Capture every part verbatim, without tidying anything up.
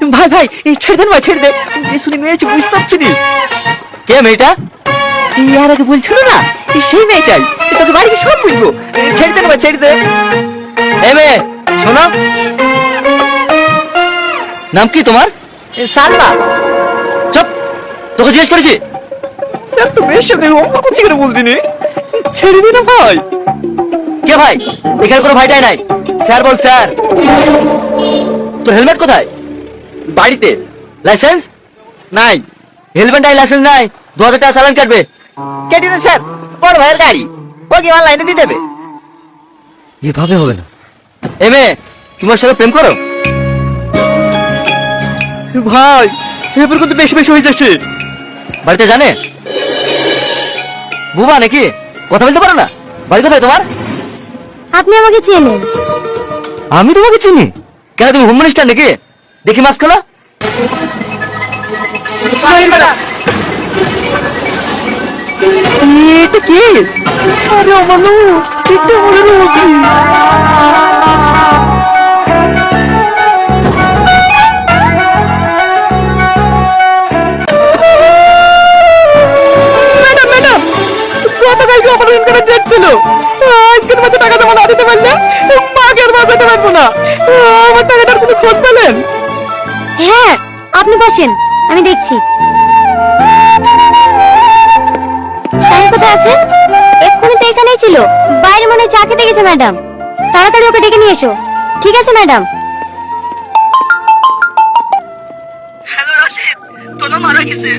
ভাই ভাই এই ছেড়ে দেন ভাই, ছেড়ে দে। শুনে মেয়েছি, বুঝতে পারছি নি। কে মেয়েটা? আর আগে বলছিল না, সেই মেয়েটাই। তোকে বাড়ি সব বুঝবো। ছেড়ে দেন ভাই, ছেড়ে দে। এ মেয়ে শোনো, নাম কি তোমার? সালমা। চুপ, তোকে জিজ্ঞেস করেছি। তো মেয়ের সাথে অঙ্ক করছি কেন বলতি নি? ছেড়ে দিন ভাই। কে ভাই? এখানে কোনো ভাইটাই নাই। স্যার বল স্যার। তোর হেলমেট কোথায়? বাড়িতে। লাইসেন্স নাই। হেলমেট নাই, লাইসেন্স নাই, দু হাজার টাকা চালান কাটবে। কেটে দেন স্যার, বড় ভাইয়ের গাড়ি, ও কি আমার লাইনে দিয়ে দেবে? এভাবে হবে না। এ মেয়ে, তোমার সাথে প্রেম করো? ভাই এবার কিন্তু বেশি বেশি হয়ে যাচ্ছে। বাড়িতে জানে? বুবা নাকি? কথা বলতে পারো না? বাড়ি কোথায় তোমার? আপনি আমাকে চেনেন? আমি তোমাকে চিনি। কেন, তুমি হোম মিনিস্টার নাকি? দেখি মাস্ক খোলো। এটা কি? আরে আমানু, এটা মনে রয়েছে। ম্যাডাম ম্যাডাম, গতকালকে অপারেশন করে দেখছিল, আজকের মধ্যে টাকা জমা না দিতে পারলে মাকে আর বাঁচাতে পারবো না। আমার টাকাটার কোনো খোঁজ পেলেন? হ্যাঁ, আপনি বসেন, আমি দেখছি। শাহিন কোথায় আছে? এক্ষুনি তো এখানেই ছিল। বাইরে মনে হয় চা খেতে গেছে ম্যাডাম। তাড়াতাড়ি ওকে ডেকে নিয়ে এসো। ঠিক আছে ম্যাডাম। হ্যালো রাশিদ, তোর নাম মারা গেছে।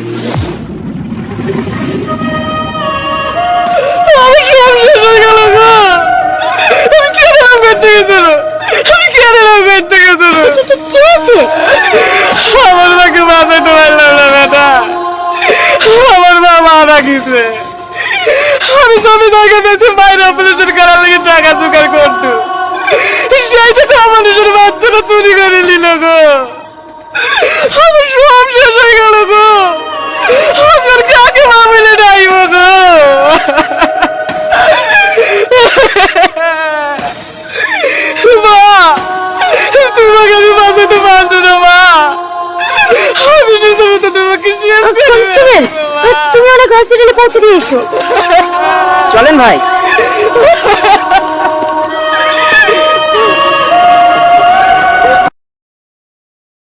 আমি কি আমি শেষ হয়ে গেল গো? আমি কি এরকম করতে গেছিল? আমি কি এরকম করতে গেছিল? কি হয়েছে? আমার মাকে বাঁচাতে পারলাম না বেটা। আমার মা মারা গেছে। আমি জমি জায়গা বেঁচে বাইরে অপারেশন করার লেগে টাকা জোগাড় করতো, সেই টাকা আমার নিজের বাচ্চারা চুরি করে নিল গো। আমার সব শেষ হয়ে গেল গো। আপনার কাকে মা মিলে ডাইব গো? মা, তোমাকে আমি বাঁচাতে পারতো না মা। আমি নিজে মতো তোমাকে শেষ করে কনস্টেবল, তুমি অনেক হসপিটালে পৌঁছে দিয়ে এসো। চলেন ভাই।